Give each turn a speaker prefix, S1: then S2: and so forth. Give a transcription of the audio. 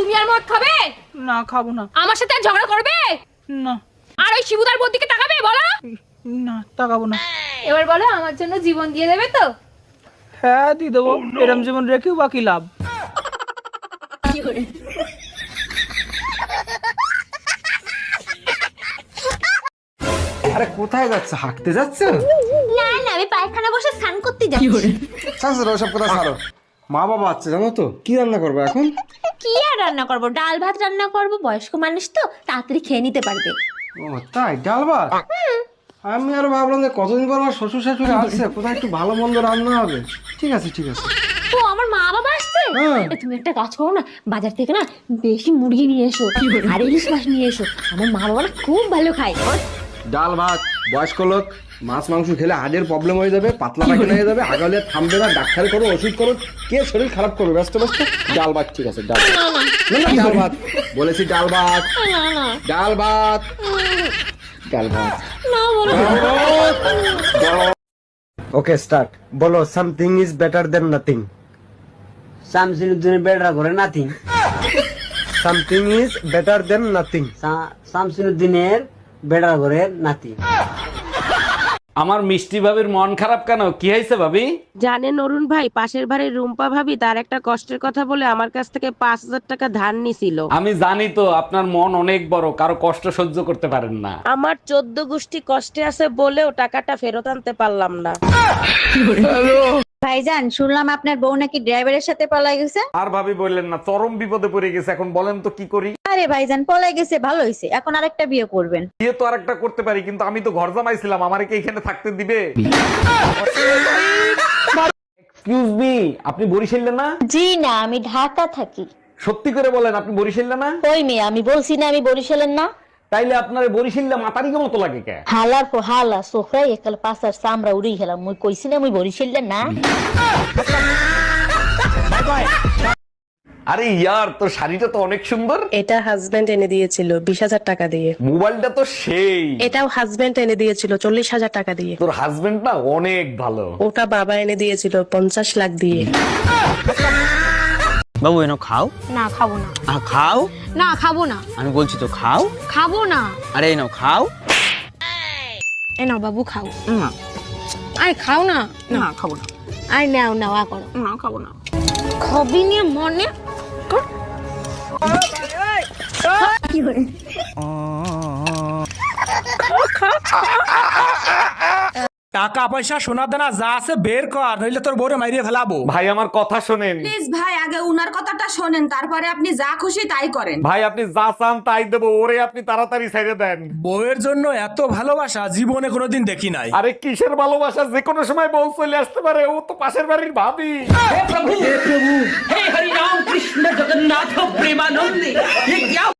S1: তুমি আর মদ খাবে?
S2: না খাবো না।
S1: আমার সাথে আর ঝগড়া করবে
S2: না।
S1: আর ওই শিবুদার বোন দিকে তাকাবে? বলো
S2: না, তাকাবো না।
S1: এবার বলো, আমার জন্য জীবন দিয়ে দেবে তো?
S2: হ্যাঁ দিয়ে দেবো। এরম জীবন রেখেও বাকি লাভ।
S3: আরে কোথায় যাচ্ছে? হাঁটতে যাচ্ছে?
S4: না না, আমি পায়খানা বসে স্নান করতে যাচ্ছি।
S3: ছাড়ো ওসব কথা ছাড়ো। মা বাবা আছে জানো তো, কি রান্না করবো এখন?
S4: কি আর রান্না করব? ডাল ভাত রান্না করব, বয়স্ক মানুষ তো তাড়াতাড়ি খেয়ে নিতে পারবে।
S3: ও তাই, ডাল ভাত? আমি আরো ভাবলাম যে কতদিন পর আমার শ্বশুর শাশুড়ি আসছে, কোথায় একটু ভালো মন্দ রান্না হবে। ঠিক আছে ঠিক আছে।
S4: ও আমার মা বাবা আসছে? তুমি একটা কাজ করো না, বাজার থেকে না বেশি মুরগি নিয়ে এসো আর ইলিশ মাছ নিয়ে এসো। আমার মা বাবা না খুব ভালো খায়।
S3: ডাল ভাত, বয়স্ক লোক মাছ মাংস খেলে হার্টের প্রবলেম হয়ে যাবে, পাতলা পায়খানা হয়ে যাবে, আগালে থামবে না, ডাক্তার করো, ওষুধ করো, কে শরীর খারাপ করবে? ব্যস্ত ব্যস্ত। ডাল ভাত ঠিক আছে, ডাল না ডাল ভাত বলেছি, ডাল ভাত ডাল ভাত ডাল ভাত। Okay start. বলো something is better than nothing.
S5: শামসুদ্দিনের বেড়া করে nothing.
S3: Something is better than nothing.
S5: শামসুদ্দিনের বেড়া করে নাথিং।
S6: আমার মিষ্টি ভাবির মন খারাপ কেন? কি হয়েছে ভাবি?
S7: জানেন অরুণ ভাই, পাশের বাড়ির রুম্পা ভাবি তার একটা কষ্টের কথা বলে আমার কাছ থেকে 5,000 টাকা ধার নিছিল।
S6: আমি জানি তো আপনার মন অনেক বড়, কারো কষ্ট সহ্য করতে পারেন না।
S7: আমার 14 গোষ্ঠী কষ্টে আছে বলেও টাকাটা ফেরত আনতে পারলাম না।
S4: ভাইজান, শুনলাম আপনার বউ নাকি ড্রাইভারের সাথে পলাই গেছে।
S6: আর ভাবি বললেন না, চরম বিপদে পড়ে গেছে। এখন বলেন তো কি করি?
S4: আরে ভাইজান, পলাই গেছে ভালো হয়েছে, এখন আরেকটা বিয়ে করবেন।
S6: বিয়ে তো আরেকটা করতে পারি, কিন্তু আমি তো ঘর জামাইছিলাম, আমারে কি এখানে থাকতে দিবে? এক্সকিউজ মি, আপনি বরিশালে না?
S4: জি না, আমি ঢাকা থাকি।
S6: সত্যি করে বলেন, আপনি বরিশালে না?
S4: কই মেয়ে, আমি বলছি না আমি বরিশালের না।
S6: তাইলে আপনার বরিশালে মাতারিকে মতো লাগে কে?
S4: হালার পর হালা সোফরাই একাল পাশার সামরা উড়ি গেলাম। মুই কইছি না মুই বরিশালের না।
S6: আরে ইয়ার, তোর শাড়িটা তো অনেক সুন্দর।
S7: এটা হাজবেন্ড এনে দিয়েছিল 20,000 টাকা দিয়ে।
S6: মোবাইলটা তো সেই।
S7: এটাও হাজবেন্ড এনে দিয়েছিল 40,000 টাকা দিয়ে।
S6: তোর হাজবেন্ড না অনেক ভালো।
S7: ওটা বাবা এনে দিয়েছিল 50 লাখ দিয়ে।
S5: বাবু এনো খাও।
S1: না খাবো না।
S5: খাও
S1: না খাবো না।
S5: আমি বলছি তো খাও।
S1: খাবো না।
S5: আরে এনো খাও।
S1: এ নাও বাবু, খাও।
S5: না
S1: আরে খাও না।
S5: না খাবো না।
S1: আরে নাও নাও, আ করো।
S5: না খাবো না।
S1: খবি নিয়ে মনে কর।
S2: টাকা পয়সা সোনা দানা যা আছে বের কর, নইলে তোর বউরে মাইরিয়ে ফেলাবো।
S6: ভাই আমার কথা শোনেন।
S8: প্লিজ ভাই, আগে উনার কথাটা শোনেন, তারপরে আপনি যা খুশি তাই করেন।
S6: ভাই আপনি যা চান তাই দেবো, ওরে আপনি তাড়াতাড়ি ছেড়ে দেন।
S2: বউয়ের জন্য এত ভালোবাসা জীবনে কোনোদিন দেখি নাই।
S6: আরে কিসের ভালোবাসা, যে কোনো সময় বউ চলে আসতে পারে, ও তো পাশের বাড়ির ভাবি।
S9: हे हरि राम कृष्ण जगन्नाथ प्रेमानंद, ये क्या